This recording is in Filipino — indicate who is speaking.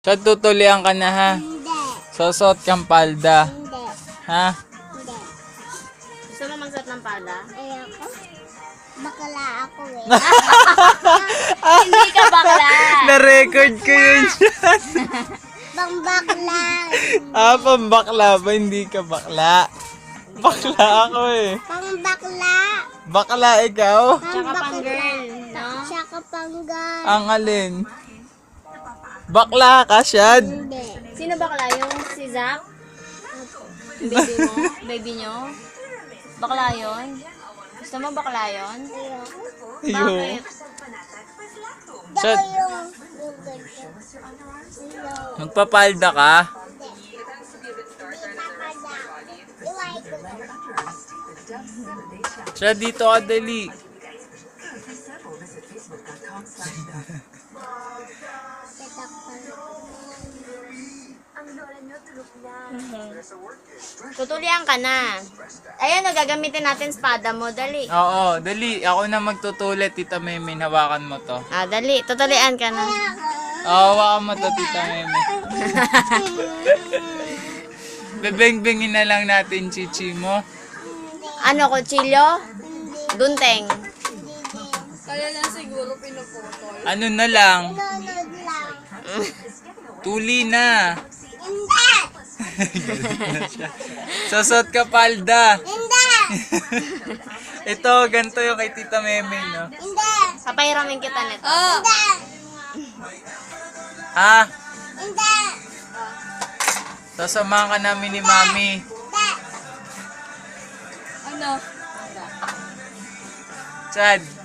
Speaker 1: So, tutulian ka na ha?
Speaker 2: Hindi.
Speaker 1: Susot kang palda.
Speaker 2: Hindi.
Speaker 1: Ha?
Speaker 2: Hindi.
Speaker 3: Gusto mo magsuot ng pala?
Speaker 2: Ayoko. Bakla ako eh.
Speaker 3: Hindi ka bakla.
Speaker 1: Na-record ko yun dyan.
Speaker 2: Bang bakla.
Speaker 1: Pambakla ba? Hindi ka bakla. Bakla ako eh.
Speaker 2: Pang bakla.
Speaker 1: Bakla ikaw?
Speaker 3: Tsaka pang girl, no?
Speaker 2: Tsaka pang girl.
Speaker 1: Ang alin? Bakla ka, Shad?
Speaker 2: Hindi.
Speaker 3: Sino bakla? Yung si Zach? Baby mo? Baby nyo? Bakla yun? Gusto mo bakla yun?
Speaker 2: Ayoko.
Speaker 1: Ayun.
Speaker 3: Bakit?
Speaker 1: Shad,
Speaker 2: Dako yung ganito. Ayoko.
Speaker 1: magpapalda ka?
Speaker 2: Hindi. Hindi papala. Iway ko lang.
Speaker 1: Shad, dito ka dali.
Speaker 3: Tutulian ka na. Ayun, gagamitin natin spada mo. Dali.
Speaker 1: Oo, dali. Ako na magtutulit, Tita Meme. Hawakan mo to.
Speaker 3: Dali. Tutulian ka na.
Speaker 1: Hawakan mo to, Tita Meme. Bebeng-bengin na lang natin, chichi mo.
Speaker 3: Ano, kutsilyo? Dunteng.
Speaker 1: Ano na lang?
Speaker 2: Nunod lang.
Speaker 1: Tuli na.
Speaker 2: Hindi.
Speaker 1: Susot ka palda.
Speaker 2: Hindi.
Speaker 1: Ito, ganito yung kay Tita Meme, no?
Speaker 2: Hindi.
Speaker 3: Papahiramin kita nito.
Speaker 2: Hindi.
Speaker 1: Ha?
Speaker 2: Hindi.
Speaker 1: Sasamahan ka namin ni Mami.
Speaker 2: Hindi.
Speaker 3: Ano?
Speaker 1: Chad,